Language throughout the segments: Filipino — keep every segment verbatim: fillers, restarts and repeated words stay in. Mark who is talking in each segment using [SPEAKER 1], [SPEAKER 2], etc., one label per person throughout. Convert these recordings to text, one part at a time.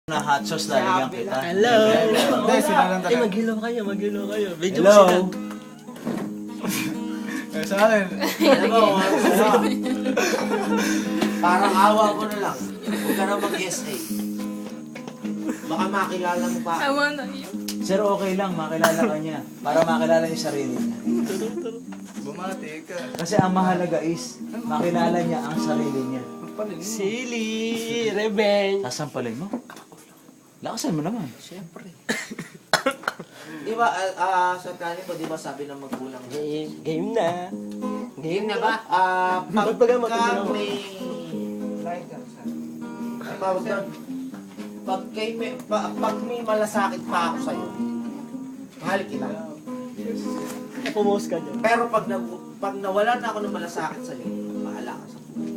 [SPEAKER 1] Na hot sauce lalagyan kita.
[SPEAKER 2] Hello!
[SPEAKER 3] Hindi, sila lang
[SPEAKER 2] Ay, mag-hello kayo, mag-hello kayo. Medyo
[SPEAKER 1] Hello!
[SPEAKER 2] sila.
[SPEAKER 3] Eh, sa akin.
[SPEAKER 4] Alam mo, parang awa mo na lang. Huwag ka na mag-S A. Baka makilala mo pa.
[SPEAKER 5] Awa na yun.
[SPEAKER 1] Sir, okay lang, makilala ka niya. Para makilala yung sarili niya.
[SPEAKER 3] Bumati ka.
[SPEAKER 1] Kasi ang mahalaga is, makilala niya ang sarili niya.
[SPEAKER 2] Silly! Revenge!
[SPEAKER 1] Sasampalin mo? Lakasan mo naman.
[SPEAKER 2] Siyempre.
[SPEAKER 4] Di ba, ah, ah, sa kanin ko, di ba sabi ng magulang?
[SPEAKER 2] Game, game na.
[SPEAKER 4] Game na ba? Ah,
[SPEAKER 2] Ba't ba
[SPEAKER 4] pagka
[SPEAKER 2] matanda ako?
[SPEAKER 4] may... Ang tawag doon, pag, kay may, pa, pag may malasakit pa ako sa'yo, mahal kita.
[SPEAKER 2] Pumos ka dyan.
[SPEAKER 4] Pero pag, na, pag nawala na ako ng malasakit sa'yo, bahala ka sa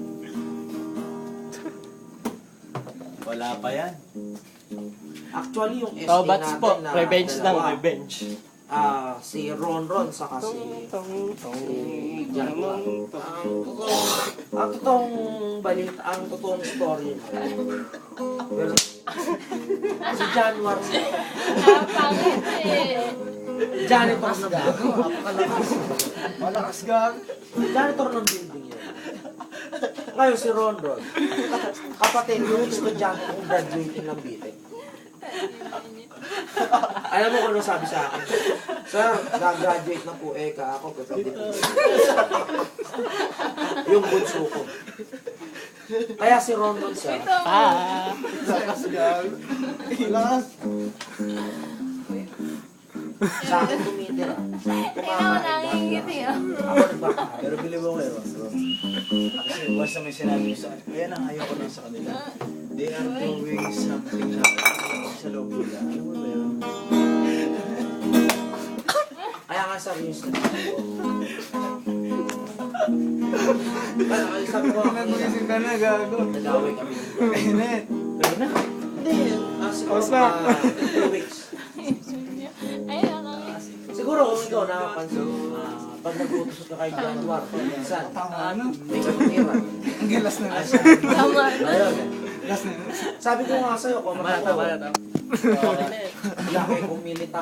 [SPEAKER 1] Wala pa yan.
[SPEAKER 4] Actually, yung S A
[SPEAKER 2] Oh, bats
[SPEAKER 4] natin
[SPEAKER 2] po.
[SPEAKER 4] na
[SPEAKER 2] Revenge lang,
[SPEAKER 4] dalawa,
[SPEAKER 2] revenge.
[SPEAKER 4] ah, si Ron Ron, saka si...
[SPEAKER 2] Tong, tong,
[SPEAKER 4] si Jaguar. Ang totoong, ang totoong balita, ang totoong story. Pero, si Januar,
[SPEAKER 5] Napangit eh.
[SPEAKER 4] janitor na gago. Napakalakas.
[SPEAKER 3] Malakas gag.
[SPEAKER 4] Janitor ng building yun. Ngayon si Ron Ron, kapatid yung estudyante kong graduating ng B T E C. Alam mo kung ano sabi sa akin? Sir, nag-graduate na po eh ka ako, pero hindi po. Yung bunso ko. Kaya si Ron Ron sir,
[SPEAKER 2] Ah!
[SPEAKER 3] Malakas gag. Malakas.
[SPEAKER 4] sa akin tumitira.
[SPEAKER 5] Ikaw nangingiti ah.
[SPEAKER 4] Ako nagbakahal.
[SPEAKER 1] Pero bili mo kayo, bro. Kasi once na may sinabi ko sa kaya nang ayaw ko lang sa kanila. They are doing something na sa loob nila. Alam mo ba yun?
[SPEAKER 4] Kaya nga sabi yung sinabi ko. Kaya sabi ko,
[SPEAKER 3] Nag-isip ka na gago.
[SPEAKER 4] nag-away kami.
[SPEAKER 3] Init.
[SPEAKER 1] Pero na.
[SPEAKER 4] Hindi, ah, siguro
[SPEAKER 3] Kamusta?
[SPEAKER 4] mga two weeks.
[SPEAKER 5] Ay, nakangiti.
[SPEAKER 4] Siguro kung ikaw nakapansin, ah, pag nag-utos ka kay Januar, minsan,
[SPEAKER 3] Tama na.
[SPEAKER 4] may katira.
[SPEAKER 3] Ang gilas na lang.
[SPEAKER 5] Tama.
[SPEAKER 4] Ayun.
[SPEAKER 3] Gilas na.
[SPEAKER 4] Sabi ko nga sa'yo, kung
[SPEAKER 2] Tama na, tama na,
[SPEAKER 4] makatawa,
[SPEAKER 2] tama.
[SPEAKER 4] laki kung milita